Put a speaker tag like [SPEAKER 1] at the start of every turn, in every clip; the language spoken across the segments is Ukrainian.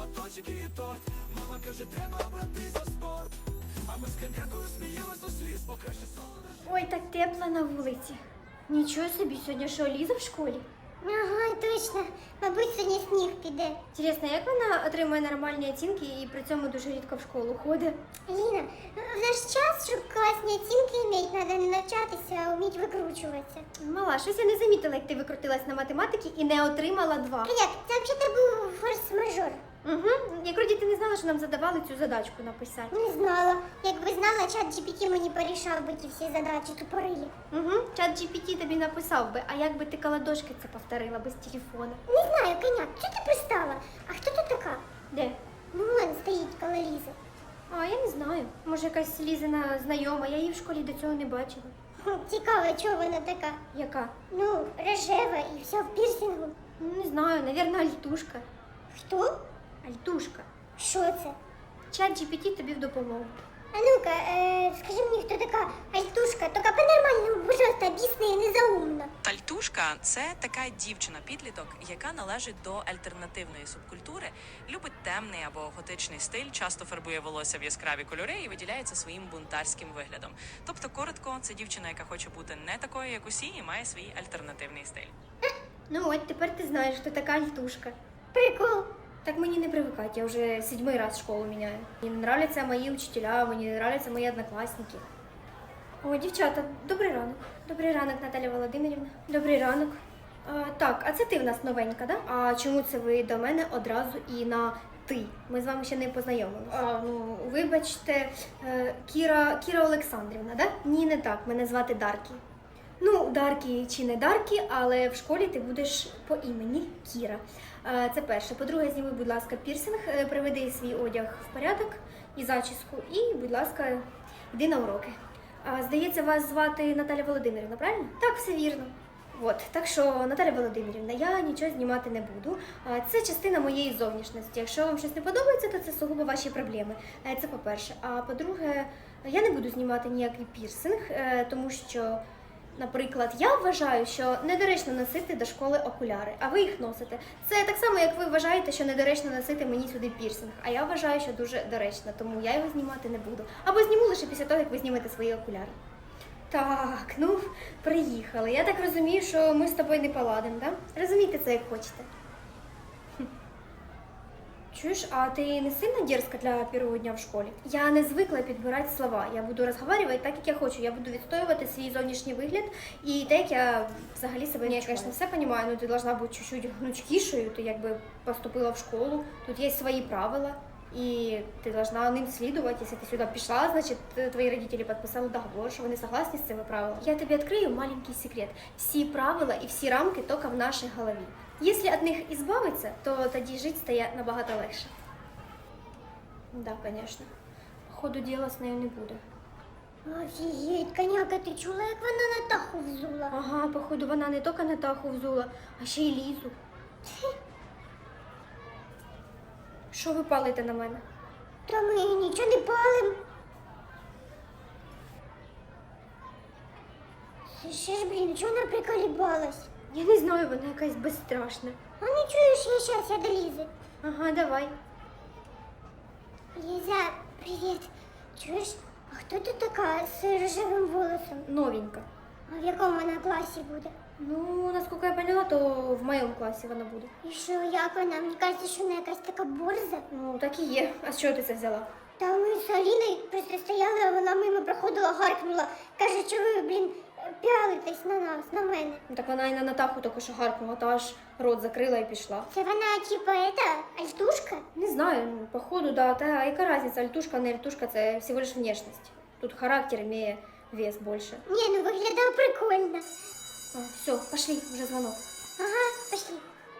[SPEAKER 1] батончики і торт. Мама каже, треба брати за спорт. А ми з коньякою сміялись до сліз, бо краще сон.
[SPEAKER 2] Ой, так тепло на вулиці. Нічого собі, сьогодні що, Ліза в школі?
[SPEAKER 3] Ага, точно. Мабуть, сьогодні сніг піде.
[SPEAKER 2] Інтересно, як вона отримує нормальні оцінки і при цьому дуже рідко в школу ходить?
[SPEAKER 3] Ліна, в наш час, щоб класні оцінки іметь, треба не навчатися, а вміть викручуватися.
[SPEAKER 2] Мала, щось я не замітила, як ти викрутилась на математиці і не отримала 2.
[SPEAKER 3] А як? Це взагалі був форс-мажор.
[SPEAKER 2] Угу. Як вроді ти не знала, що нам задавали цю задачку написати.
[SPEAKER 3] Не знала. Якби знала, чат GPT мені порішав би ті всі задачі тупорилі.
[SPEAKER 2] Угу. Чат GPT тобі написав би, а як би ти колодошки це повторила без телефона?
[SPEAKER 3] Не знаю, коняк, чого ти пристала? А хто тут така?
[SPEAKER 2] Де?
[SPEAKER 3] Ну, вон стоїть коло Лізи.
[SPEAKER 2] А, я не знаю. Може, якась Лізина знайома, я її в школі до цього не бачила.
[SPEAKER 3] Цікаво, чого вона така?
[SPEAKER 2] Яка?
[SPEAKER 3] Ну, рожева і все в пірсингу.
[SPEAKER 2] Ну, не знаю, навірно, альтушка.
[SPEAKER 3] Хто?
[SPEAKER 2] Альтушка.
[SPEAKER 3] Що це?
[SPEAKER 2] Чат GPT тобі в допомогу.
[SPEAKER 3] А ну-ка, скажи мені, хто така Альтушка? Тільки по-нормальному, пожалуйста, об'ясни, і незаумно.
[SPEAKER 4] Альтушка – це така дівчина-підліток, яка належить до альтернативної субкультури, любить темний або готичний стиль, часто фарбує волосся в яскраві кольори і виділяється своїм бунтарським виглядом. Тобто, коротко, це дівчина, яка хоче бути не такою, як усі, і має свій альтернативний стиль.
[SPEAKER 2] Ну от, тепер ти знаєш, хто така альтушка.
[SPEAKER 3] Прикол.
[SPEAKER 2] Так мені не привыкать, я уже 7-й раз школу меняю. Мне не нравятся мои учителя, мне не нравятся мои одноклассники. О, дівчата, добрий ранок. Добрий ранок, Наталя Володимирівна. Добрий ранок. Так, а це ти в нас новенька, да? А чому це ви до мене одразу і на ти? Ми з вами ще не познайомилися. Ну, вибачте, Кіра Олександрівна, да? Ні, не так, мене звати Даркі. Ну, Даркі чи не Даркі, але в школі ти будеш по імені Кіра. Це перше. По-друге, зніми, будь ласка, пірсинг, приведи свій одяг в порядок і зачіску, і, будь ласка, йди на уроки. Здається, вас звати Наталя Володимирівна, правильно? Так, все вірно. От, так що, Наталя Володимирівна, я нічого знімати не буду. Це частина моєї зовнішності. Якщо вам щось не подобається, то це сугубо ваші проблеми. Це по-перше. А по-друге, я не буду знімати ніякий пірсинг, тому що, наприклад, я вважаю, що недоречно носити до школи окуляри, а ви їх носите. Це так само, як ви вважаєте, що недоречно носити мені сюди пірсинг, а я вважаю, що дуже доречно, тому я його знімати не буду. Або зніму лише після того, як ви знімете свої окуляри. Так, ну, приїхали. Я так розумію, що ми з тобою не поладимо, так? Да? Розумійте це, як хочете. Чуєш, а ти не сильно дерзка для першого дня в школі? Я не звикла підбирати слова. Я буду розговорювати так, як я хочу. Я буду відстоювати свій зовнішній вигляд і те, як я взагалі себе не відчуваю. Я, звісно, все розумію, але ти повинна бути чуть-чуть гнучкішою. Ти якби поступила в школу, тут є свої правила, і ти повинна ним слідувати. Якщо ти сюди пішла, значить твої родителі підписали договор, що вони согласні з цими правилами. Я тобі відкрию маленький секрет. Всі правила і всі рамки тільки в нашій голові. Якщо від них ізбавитися, то тоді жити стає набагато легше. Да, звісно. По ходу діла з нею не буде.
[SPEAKER 3] Офігеть, коняка, ти чула, як вона Натаху взула?
[SPEAKER 2] Ага, походу вона не тільки Натаху взула, а ще й Лізу. Що ви палите на мене?
[SPEAKER 3] Та ми нічого не палим. Ще ж, блін, чого вона приколібалась?
[SPEAKER 2] Я не знаю, вона якась безстрашна.
[SPEAKER 3] А не чуєш, я щас, я до Лізи.
[SPEAKER 2] Ага, давай.
[SPEAKER 3] Ліза, привіт. Чуєш, а хто ти така з рожевим волосом?
[SPEAKER 2] Новенька.
[SPEAKER 3] А в якому вона класі буде?
[SPEAKER 2] Ну, наскільки я поняла, то в моєму класі вона буде.
[SPEAKER 3] І що, як вона? Мені кажеться, що вона якась така борза.
[SPEAKER 2] Ну, так і є. А з чого ти це взяла?
[SPEAKER 3] Та ми з Аліною просто стояли, а вона мимо проходила, гаркнула. Каже, що ви, блін, пялитесь на нас, на мене.
[SPEAKER 2] Ну, так вона і на Натаху тільки що гаркнула, та аж рот закрила і пішла.
[SPEAKER 3] Це вона, типа, альтушка?
[SPEAKER 2] Не знаю, ну, походу, да. Та яка разниця, альтушка, не альтушка, це всего лиш внешність. Тут характер имеє вес більше.
[SPEAKER 3] Ні, ну виглядає прикольно.
[SPEAKER 2] Все, пошли, вже дзвонок.
[SPEAKER 3] Ага, пошли.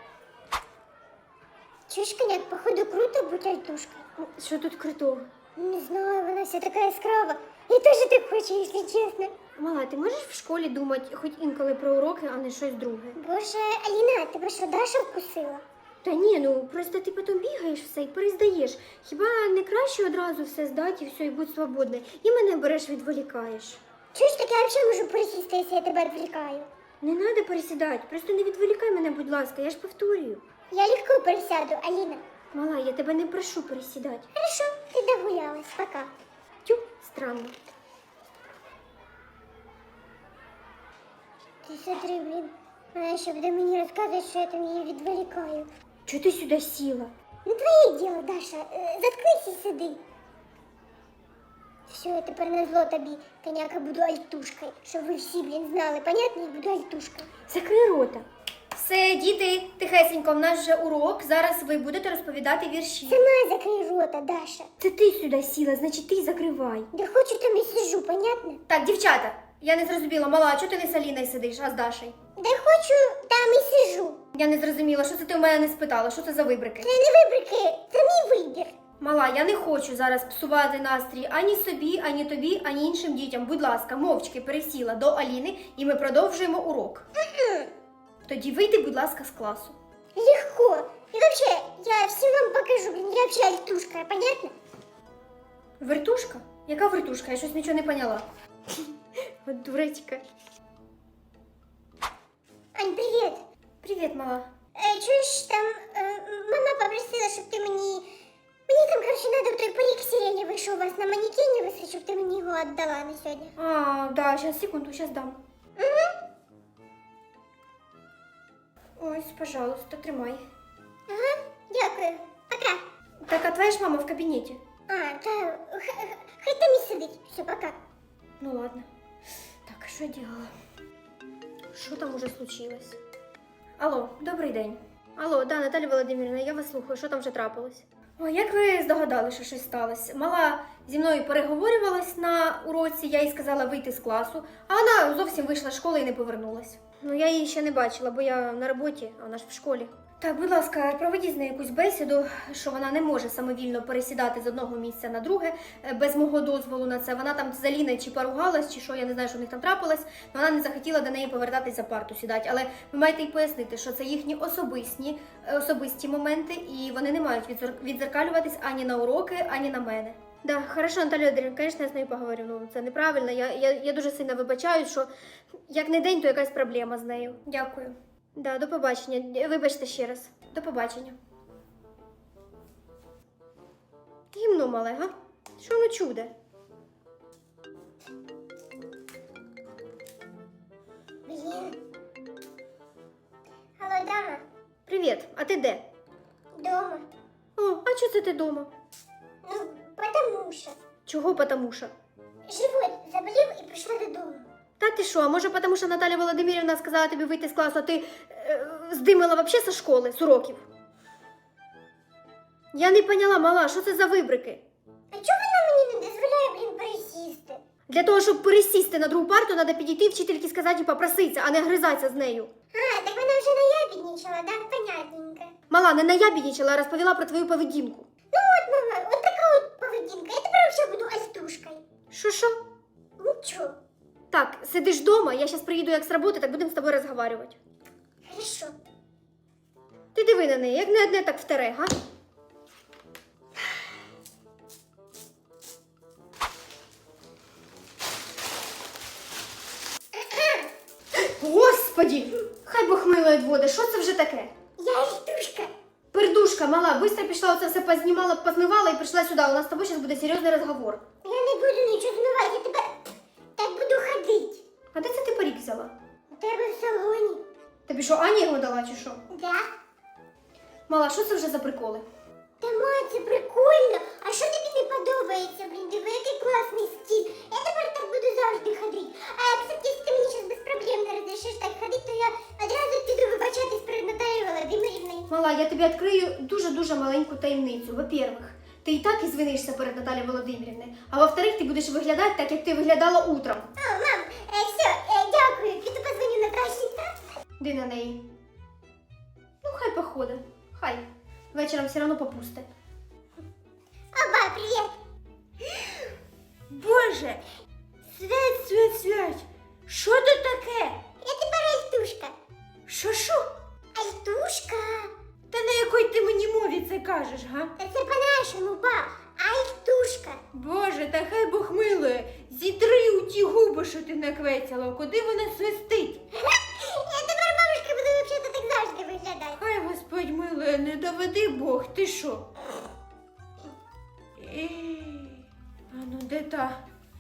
[SPEAKER 3] Чуєш, коняк, походу круто бути альтушкою.
[SPEAKER 2] Що тут крутого?
[SPEAKER 3] Не знаю, вона вся така яскрава. Я теж так хочу, якщо чесно.
[SPEAKER 2] Мала, ти можеш в школі думати хоч інколи про уроки, а не щось друге?
[SPEAKER 3] Боже, Аліна, тебе що, Даша вкусила?
[SPEAKER 2] Та ні, ну просто ти потім бігаєш все і перездаєш. Хіба не краще одразу все здати і все, і будь свободна? І мене береш, відволікаєш.
[SPEAKER 3] Чуєш, так я взагалі можу присісти, якщо я тебе відволікаю.
[SPEAKER 2] Не треба пересідати, просто не відволікай мене, будь ласка, я ж повторюю.
[SPEAKER 3] Я легко пересяду, Аліна.
[SPEAKER 2] Мала, я тебе не прошу присідати.
[SPEAKER 3] Хорошо, ти догулялась, пока.
[SPEAKER 2] Тю, странно.
[SPEAKER 3] Ти смотри, блін, вона ще буде мені розказувати, що я там її відволікаю.
[SPEAKER 2] Чого ти сюди сіла?
[SPEAKER 3] Ну твоє діло, Даша, заткнись і сиди. Все, я тепер назло тобі, коняка, буду альтушкою, щоб ви всі, блін, знали, понятно, я буду альтушкою.
[SPEAKER 2] Закрий рота. Все, діти, тихесенько, в нас вже урок. Зараз ви будете розповідати вірші.
[SPEAKER 3] Сама закрий рота, Даша.
[SPEAKER 2] Це ти сюди сіла, значить ти закривай.
[SPEAKER 3] Де хочу, там і сижу, понятно?
[SPEAKER 2] Так, дівчата, я не зрозуміла, мала, а чого ти не з Аліною сидиш, а з Дашею?
[SPEAKER 3] Де хочу, там і сижу.
[SPEAKER 2] Я не зрозуміла, що це ти у мене не спитала, що це за вибрики?
[SPEAKER 3] Це не вибрики, це мій вибір.
[SPEAKER 2] Мала, я не хочу зараз псувати настрій ані собі, ані тобі, ані іншим дітям. Будь ласка, мовчки пересіла до Аліни і ми продовжуємо урок. Тоді вийди, будь ласка, з класу.
[SPEAKER 3] Легко. І вообще, я всім вам покажу, блін, я вообще альтушка, понятно?
[SPEAKER 2] Вертушка? Яка вертушка? Я щось нічого не поняла. От дуречка.
[SPEAKER 3] Ань, привіт.
[SPEAKER 2] Привіт, мала.
[SPEAKER 3] Чуєш, там мама попросила, щоб ти мені... Мені там, короче, надо в той парик сиреневый, що у вас на манекені висить, щоб ти мені його віддала на сьогодні.
[SPEAKER 2] А, да, сейчас, секунду, сейчас дам. Ось, пожалуйста, тримай.
[SPEAKER 3] Ага, дякую. Пока.
[SPEAKER 2] Так, а твоя ж мама в кабінеті?
[SPEAKER 3] А, та хай там і сидить. Все, пока.
[SPEAKER 2] Ну ладно. Так, а що я делала? Що там уже случилось? Алло, добрий день. Алло, да, Наталя Володимирівна, я вас слухаю, що там вже трапилось? О, як ви здогадались, що щось сталося? Мала зі мною переговорювалась на уроці, я їй сказала вийти з класу, а вона зовсім вийшла з школи і не повернулась. Ну, я її ще не бачила, бо я на роботі, а вона ж в школі. Так, будь ласка, проведіть з нею якусь бесіду, що вона не може самовільно пересідати з одного місця на друге, без мого дозволу на це. Вона там з Аліною чи поругалась, чи що, я не знаю, що в них там трапилось, але вона не захотіла до неї повертатись за парту сідати. Але ви маєте й пояснити, що це їхні особисті моменти, і вони не мають відзеркалюватись ані на уроки, ані на мене. Да, хорошо, Наталя Володимирівна, звісно, я з нею поговорю, ну це неправильно, я дуже сильно вибачаю, що як не день, то якась проблема з нею. Дякую. Да, до побачення. Вибачте ще раз. До побачення. Гімно мале, га? Що воно чуде?
[SPEAKER 3] Блін. Алло, дама.
[SPEAKER 2] Привіт, а ти де?
[SPEAKER 3] Дома.
[SPEAKER 2] О, а чого це ти дома?
[SPEAKER 3] Ну, потому що.
[SPEAKER 2] Чого потому-що?
[SPEAKER 3] Живот заболів і прийшла додому.
[SPEAKER 2] Та ти що, а може потому що Наталя Володимирівна сказала тобі вийти з класу, а ти здимила вообще зі школи, з уроків? Я не поняла, мала, що це за вибрики?
[SPEAKER 3] А чого вона мені не дозволяє, блін, пересісти?
[SPEAKER 2] Для того, щоб пересісти на другу парту, треба підійти вчительки сказати і попроситися, а не гризатися з нею.
[SPEAKER 3] А, так вона вже наябідничала, да? Понятненько.
[SPEAKER 2] Мала, не наябідничала, а розповіла про твою поведінку.
[SPEAKER 3] Ну от, мама, от така от поведінка. Я тепер взагалі буду альтушкою.
[SPEAKER 2] Що?
[SPEAKER 3] Нічого.
[SPEAKER 2] Так, сидиш вдома, я зараз приїду як з роботи, так будемо з тобою розговорювати.
[SPEAKER 3] Хорошо.
[SPEAKER 2] Ти диви на неї, як не одне, так втере, га? Господі! Хай Бог милує води, що це вже таке?
[SPEAKER 3] Я альтушка.
[SPEAKER 2] Пердушка, мала, быстро пішла, оце все познімала, позмивала і прийшла сюди. У нас з тобою зараз буде серйозний розговор.
[SPEAKER 3] Я не буду нічого змивати, я тепер так буду ходити.
[SPEAKER 2] А де це ти парік взяла?
[SPEAKER 3] У тебе в салоні.
[SPEAKER 2] Тобі що, Аня його дала чи що?
[SPEAKER 3] Да?
[SPEAKER 2] Мала, що це вже за приколи?
[SPEAKER 3] Та ма, це прикольно. А що тобі не подобається, блін? Диви, який класний стиль. Я тепер так буду завжди ходити. А, кстати, якщо ти мені зараз без проблем не розрішиш так ходити, то я одразу піду вибачатись перед Наталією Володимирівною.
[SPEAKER 2] Мала, я тобі відкрию дуже-дуже маленьку таємницю. Во-первых, ти і так ізвинишся перед Наталією Володимирівною. А во-вторых, ти будеш виглядати так, як ти виглядала утром.
[SPEAKER 3] О, мам, все, дякую. Піду позвоню Наташі.
[SPEAKER 2] Де на неї? Ну, хай походить. Хай. Вечором все одно попусте.
[SPEAKER 3] Оба, привіт.
[SPEAKER 5] Боже, свять, що тут таке?
[SPEAKER 3] Я тепер альтушка.
[SPEAKER 5] Що?
[SPEAKER 3] Альтушка?
[SPEAKER 5] Та на якій ти мені мові це кажеш, га?
[SPEAKER 3] Та це по-нашому, ба. Альтушка.
[SPEAKER 5] Боже, та хай Бог милує, зітри у ті губи, що ти наквецяла, куди вона свистить?
[SPEAKER 3] Я тепер, бабушка, буду взагалі так завжди виглядати.
[SPEAKER 5] Хай Господь милує, не доведи Бог, ти що? А ну де та?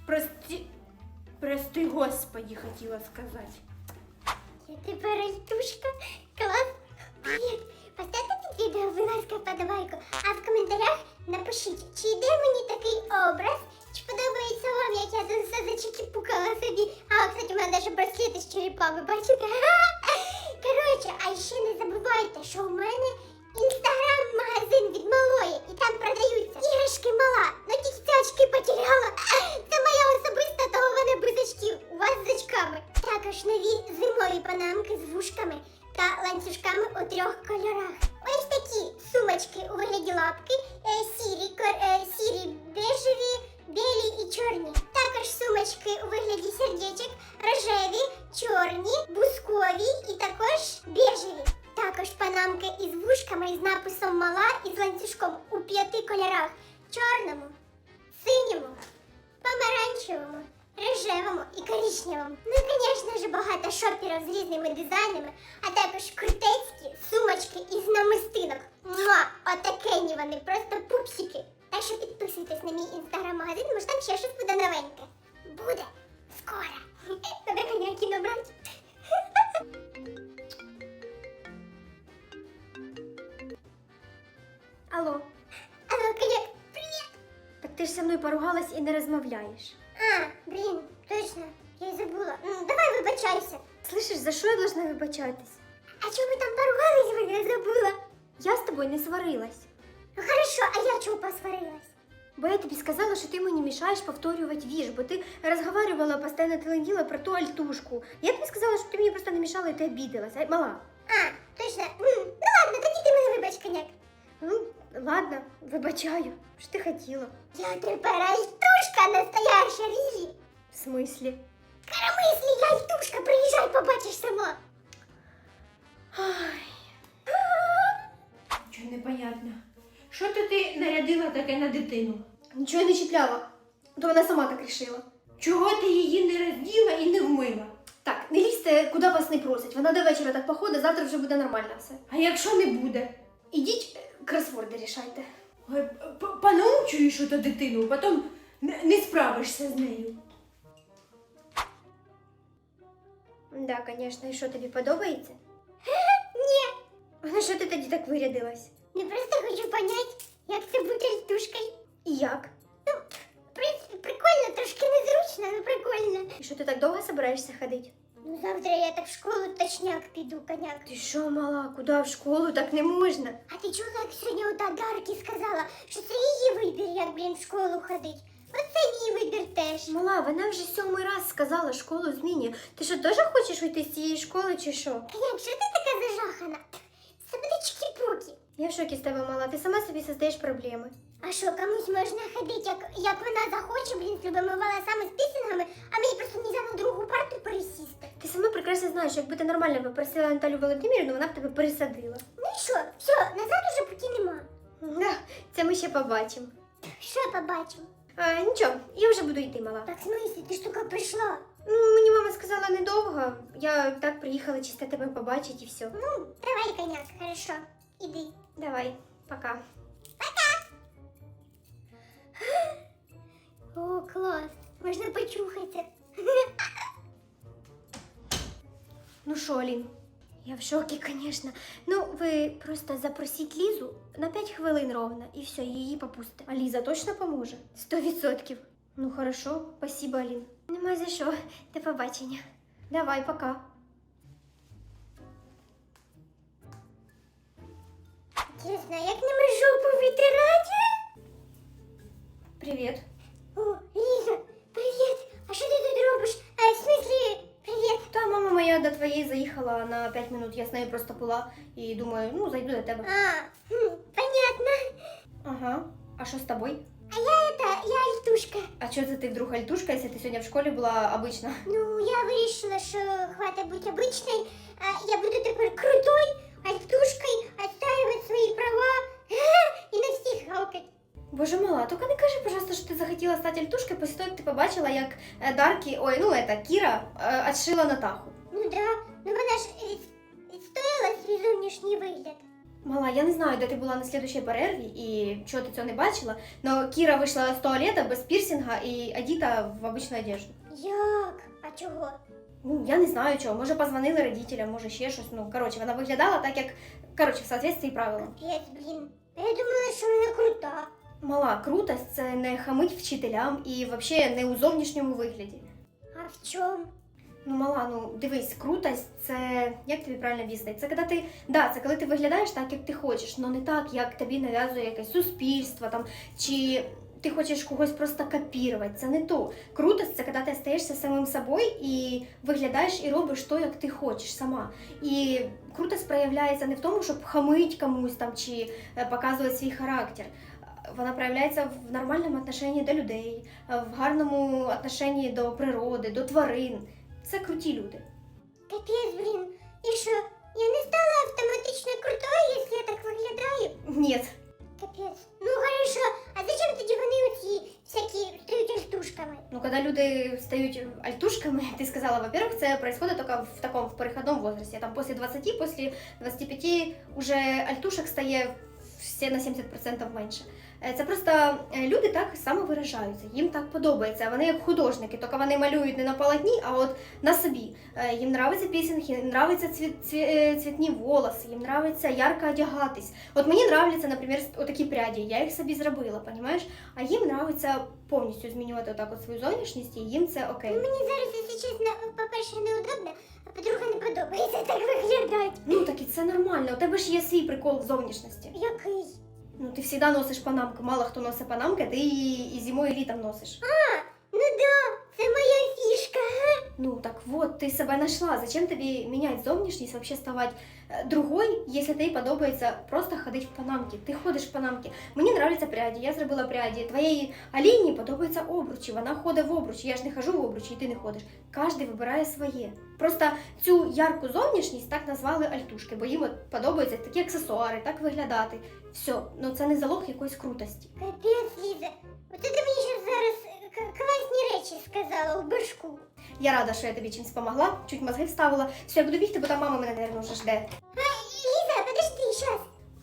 [SPEAKER 5] Прости Господи, хотіла сказати.
[SPEAKER 3] Я тепер альтушка. Клас. Привіт. Поставте під відео, будь ласка, подобайку. А в коментарях напишіть, чи йде мені такий образ, чи подобається вам, як я тут все зачекіпукала собі. А, кстати, у мене навіть браслети з черепами, бачите? Коротше, а ще не забувайте, що у мене інстаграм-магазин від малої, і там продаються іграшки мала. Ну тільки ці очки потеряла. Це моя особиста, того в мене без очків. У вас з очками. Також нові зимові панамки з вушками та ланцюжками у 3 кольорах. Ось такі сумочки у вигляді лапки, сірі, бежеві, білі і чорні. Також сумочки у вигляді сердечок, рожеві, чорні, бускові і також бежеві. Також панамки із вушками із написом «Мала» і з ланцюжком у 5 кольорах. Чорному, синьому, помаранчевому, рожевому і коричневому. Ну і, звісно ж, багато шоперів з різними дизайнами, а також крутецькі сумочки із намистинок. Муа! Отакені вони, просто пупсики. Так що підписуйтесь на мій інстаграм-магазин, може там ще щось буде новеньке. Буде скоро. Треба коняки набрати.
[SPEAKER 2] Алло,
[SPEAKER 3] Алло, коняк, привіт!
[SPEAKER 2] так ти ж зі мною поругалась і не розмовляєш.
[SPEAKER 3] А, блін, точно, я й забула. Давай вибачайся.
[SPEAKER 2] Слышиш, за що я должна вибачатись?
[SPEAKER 3] А чому ми там поругались, я забула?
[SPEAKER 2] Я з тобою не сварилась.
[SPEAKER 3] Ну хорошо, а я чого посварилась?
[SPEAKER 2] Бо я тобі сказала, що ти мені мішаєш повторювати вірш, бо ти розговаривала, постійно теленділа про ту альтушку. Я тобі сказала, щоб ти мені просто не мішала і ти обідалась, а мала.
[SPEAKER 3] А, точно. Ну ладно, тоді ти мене вибач, коняк.
[SPEAKER 2] Ну, ладно, вибачаю. Що ти хотіла?
[SPEAKER 3] Я тепер альтушка настояща, Ріжі.
[SPEAKER 2] В смислі?
[SPEAKER 3] Коромислі, я альтушка, приїжджай, побачиш сама.
[SPEAKER 5] Чого непонятно? Що то ти нарядила таке на дитину?
[SPEAKER 2] Нічого не чіпляла. То вона сама так рішила.
[SPEAKER 5] Чого ти її не розділа і не вмила?
[SPEAKER 2] Так, не лізьте, куди вас не просять. Вона до вечора так походить, завтра вже буде нормально все.
[SPEAKER 5] А якщо не буде?
[SPEAKER 2] Ідіть, кросворди рішайте.
[SPEAKER 5] Ой, понаучуєш ото дитину, потім не справишся з нею.
[SPEAKER 2] Да, звісно, і що тобі подобається?
[SPEAKER 3] Ні,
[SPEAKER 2] А на що ти тоді так вирядилась?
[SPEAKER 3] не просто хочу понять, як це бути альтушкою.
[SPEAKER 2] І як?
[SPEAKER 3] В принципі, прикольно, трошки незручно, але прикольно.
[SPEAKER 2] І що ти так довго собираєшся ходити?
[SPEAKER 3] Ну завтра я так в школу точняк піду, коняк.
[SPEAKER 2] Ти що, мала, куди в школу? Так не можна.
[SPEAKER 3] А ти чула, як сьогодні ота Даркі сказала, що це її вибір, як, блін, в школу ходить. Оце мій вибір теж.
[SPEAKER 2] Мала, вона вже 7-й раз сказала, школу змінює. Ти що, теж хочеш уйти з цієї школи чи що?
[SPEAKER 3] Коняк, що ти така зажахана? Це буде чики-пуки.
[SPEAKER 2] Я в шокі з тебе, мала, ти сама собі создаєш проблеми.
[SPEAKER 3] А що, комусь можна ходити, як вона захоче, блін, з любими волосами, з пісінгами, а мені просто не на другу парту пересісти.
[SPEAKER 2] Ти сама прекрасно знаєш, якби ти нормально попросила Наталю Володимирівну, вона б тебе пересадила.
[SPEAKER 3] Ну і що? Все, назад уже путі нема.
[SPEAKER 2] Да, це ми ще побачимо.
[SPEAKER 3] Що я побачимо?
[SPEAKER 2] Нічого, я вже буду йти, мала.
[SPEAKER 3] Так, в смислі, ти ж тільки прийшла.
[SPEAKER 2] Ну, мені мама сказала недовго. Я так приїхала чисто тебе побачити і все.
[SPEAKER 3] Ну, давай, коняк, хорошо, іди.
[SPEAKER 2] Давай, пока.
[SPEAKER 3] О, клас, можна почухатися.
[SPEAKER 2] Ну що, Алін, я в шокі, звісно. Ну, ви просто запросіть Лізу на 5 хвилин ровно, і все, її попустите. А Ліза точно поможе? 100%. Ну, хорошо, спасибо, Алін. Нема за що. До побачення. Давай, пока.
[SPEAKER 3] Чесно, як ними жопу витирати?
[SPEAKER 2] Привіт.
[SPEAKER 3] О, Ліза, привіт. А що ти тут робиш? В смислі, привіт.
[SPEAKER 2] Та мама моя до твоєї заїхала на 5 минут. Я з нею просто була і думаю, ну, зайду до тебе.
[SPEAKER 3] Понятно.
[SPEAKER 2] Ага. А що з тобою?
[SPEAKER 3] А я альтушка.
[SPEAKER 2] А чого це ти вдруг альтушка, якщо ти сьогодні в школі була обична?
[SPEAKER 3] Ну, я вирішила, що хватить бути обичною, а я буду тепер крутой альтушкою, отстаивать свої права і на всіх гавкать.
[SPEAKER 2] Боже мала, тільки не кажи, пожалуйста, що ти захотіла стати альтушкою після того, як ти побачила, як Даркі, Кіра отшила Натаху.
[SPEAKER 3] Ну да, ну вона ж відстояла свій зовнішній вигляд.
[SPEAKER 2] Мала, я не знаю, де ти була на слідущій перерві і чого ти цього не бачила, але Кіра вийшла з туалета без пірсинга і одіта в обичну одежду.
[SPEAKER 3] Як? А чого?
[SPEAKER 2] Ну, я не знаю чого, може позвонили родителям, може ще щось. Ну, коротше, вона виглядала так, як, коротше, в соответствии правилам.
[SPEAKER 3] Капець, блін. Я думала, що вона крута.
[SPEAKER 2] Мала, крутость – це не хамить вчителям і взагалі не у зовнішньому вигляді.
[SPEAKER 3] А в чому?
[SPEAKER 2] Ну, мала, ну дивись, крутость це як тобі правильно об'яснити? Це коли ти, да, це коли ти виглядаєш так, як ти хочеш, але не так, як тобі нав'язує якесь суспільство там, чи ти хочеш когось просто копірувати. Це не то. Крутость це коли ти стаєшся самим собою і виглядаєш і робиш то, як ти хочеш сама. І крутость проявляється не в тому, щоб хамить комусь там чи показувати свій характер. Вона проявляється в нормальному отношенні до людей, в гарному отношенні до природи, до тварин. Це круті люди.
[SPEAKER 3] Капець, блін. І що? Я не стала автоматично крутою, якщо я так виглядаю?
[SPEAKER 2] Ні.
[SPEAKER 3] Капець. Ну хорошо. А зачем тоді вони оці всякі стають альтушками?
[SPEAKER 2] Ну, когда люди стають альтушками, ты сказала, во-первых, це происходит только в таком, в переходном возрасте. Там после 20, после 25 уже альтушек стає все на 70% менше. Це просто люди так самовиражаються, їм так подобається. Вони як художники, тільки вони малюють не на полотні, а от на собі. Їм нравиться пісінг, їм нравиться цвітні волоси, їм нравиться ярко одягатись. От мені нравляться, наприклад, отакі пряді, я їх собі зробила, понімаєш? А їм нравиться повністю змінювати отак от свою зовнішність, і їм це окей.
[SPEAKER 3] Мені зараз, якщо чесно, по-перше, неудобно, а по-друге, не подобається так виглядати.
[SPEAKER 2] Ну так і це нормально, у тебе ж є свій прикол в зовнішності.
[SPEAKER 3] Який?
[SPEAKER 2] Ну ти завжди носиш панамку, мало хто носить панамки, ти і зимою, і літом носиш.
[SPEAKER 3] Ну да, це моя фішка.
[SPEAKER 2] Ну так вот, ты себя нашла. Зачем тебе менять зовнішність, вообще ставать другой, если тобі подобається просто ходить в панамки. Ти ходиш в панамки. Мені нравляться пряді, я зробила пряді. Твоєї Аліні подобаються обручі, вона ходить в обручі. Я ж не хожу в обручі, і ти не ходиш. Кожен вибирає своє. Просто цю ярку зовнішність так назвали альтушки, бо їм от подобаються такі аксесуари, так виглядати. Все, ну це не залог якоїсь крутості.
[SPEAKER 3] Капець, Ліза. Оце ти мені ще зараз класні речі сказала в башку.
[SPEAKER 2] Я рада, що я тобі чимось допомогла, чуть мозги вставила. Все, я буду бігти, бо там мама мене, наверное, вже жде.
[SPEAKER 3] Ліза, подожди, щас.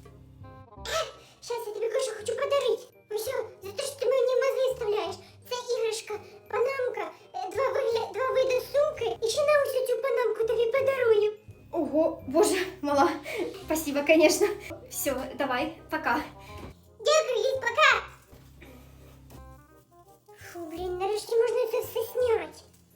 [SPEAKER 3] Щас, я тобі кое-що хочу подарити. Ось, за те, що ти мені мозги вставляєш. Це іграшка, панамка, два види сумки. І ще на ось цю панамку тобі подарую.
[SPEAKER 2] Ого, боже, мала, спасибо, конечно. Все, давай, пока.
[SPEAKER 3] Дякую, Ліз, пока. Фу, блін, нарешті можна це все зняти.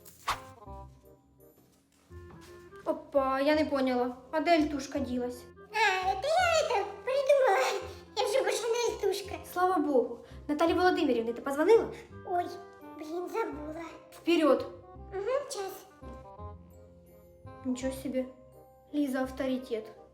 [SPEAKER 2] Опа, я не поняла, а де альтушка ділась?
[SPEAKER 3] А, это я это придумала. Я вже більше не альтушка.
[SPEAKER 2] Слава Богу. Наталі Володимирівні, ти позвонила?
[SPEAKER 3] Ой, блін, забула.
[SPEAKER 2] Вперед.
[SPEAKER 3] Угу, час.
[SPEAKER 2] Нічого собі. Ліза авторитет.